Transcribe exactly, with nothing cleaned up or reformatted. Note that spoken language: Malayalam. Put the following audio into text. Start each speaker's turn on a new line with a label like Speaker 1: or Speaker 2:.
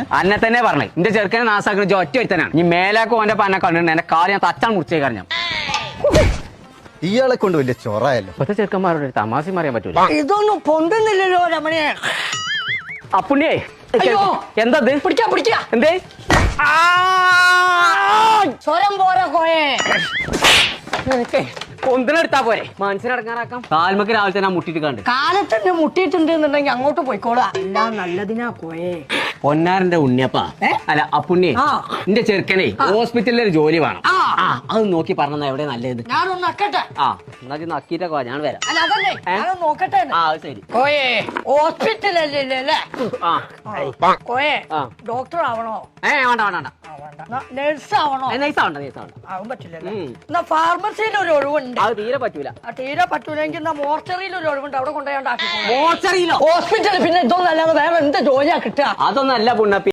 Speaker 1: അന്നെ തന്നെ പറഞ്ഞു എന്റെ ചെറുക്കനെ നാസാക്കുന്ന ഒറ്റ ഒരുത്തനാണ്. നീ മേലാക്കും ഓന്റെ പന്നെ കണ്ടിട്ടുണ്ട് എന്റെ കാല് ഞാൻ തച്ചാൻ മുറിച്ചേ കാരണം.
Speaker 2: ഇയാളെ കൊണ്ട് വലിയ ചൊറയല്ലോ.
Speaker 1: ഇപ്പത്തെ ചെറുക്കന്മാരോട് തമാശ അറിയാൻ പറ്റൂല.
Speaker 3: ഇതൊന്നും പൊന്തുന്നില്ലല്ലോ രമണിയെ.
Speaker 1: അപ്പുണ്ണിയേ എന്താ
Speaker 3: പിടിക്കാ പിടിക്കാ
Speaker 1: എന്തേ
Speaker 3: സ്വരം പോരാ കോയെ.
Speaker 1: പൊന്തിനെടുത്താ പോരെ മനസ്സിലടങ്ങാറാക്കാം. കാൽമക്ക് രാവിലെ തന്നെ മുട്ടിട്ട് കണ്ട്
Speaker 3: കാലത്തന്നെ മുട്ടിയിട്ടുണ്ട് എന്നുണ്ടെങ്കിൽ അങ്ങോട്ട് പോയിക്കോളാം. എല്ലാം നല്ലതിനാ കോയെ.
Speaker 1: പൊന്നാരന്റെ ഉണ്ണിയപ്പാ അല്ല അപ്പുണ്ണിയെ എന്റെ ചെറുക്കനെ ഹോസ്പിറ്റലിൽ ഒരു ജോലി വേണം. ആ അത് നോക്കി പറഞ്ഞ എവിടെ നല്ലത്.
Speaker 3: ഞാനൊന്ന് നക്കട്ടെ.
Speaker 1: ആ എന്നാ നക്കിട്ടൊക്കെ ഞാൻ വരാം.
Speaker 3: അല്ല അതല്ലേ ഞാനൊന്ന് നോക്കട്ടെ.
Speaker 1: ആ ശരി
Speaker 3: കോയെ ഹോസ്പിറ്റലല്ലേ അല്ലേ കോയെ ഡോക്ടർ ആവണോ?
Speaker 1: ഏ വേണ്ട വേണ്ട
Speaker 3: നഴ്സ് ആവണോ?
Speaker 1: നൈസ് ആവണ്ട നൈസ് ആവണ്ട
Speaker 3: ആവാൻ പറ്റില്ലല്ലേ. എന്നാ ഫാർമസിയിൽ ഒരു ഒഴിവുണ്ട്.
Speaker 1: അത് തീരെ പറ്റൂല.
Speaker 3: തീരെ പറ്റൂലെങ്കിൽ എന്നാ മോർച്ചറിയിൽ ഒരു ഒഴിവുണ്ട്. അവിടെ കൊണ്ടുപോയാണ്ടാക്കി.
Speaker 1: മോർച്ചറിയിലോ?
Speaker 3: ഹോസ്പിറ്റലിൽ പിന്നെ ഇതൊന്നും അല്ലാതെ വേറെ എന്ത് ജോലിയാ കിട്ടുക?
Speaker 1: അതൊന്നും അല്ല പുണ്ണപ്പി.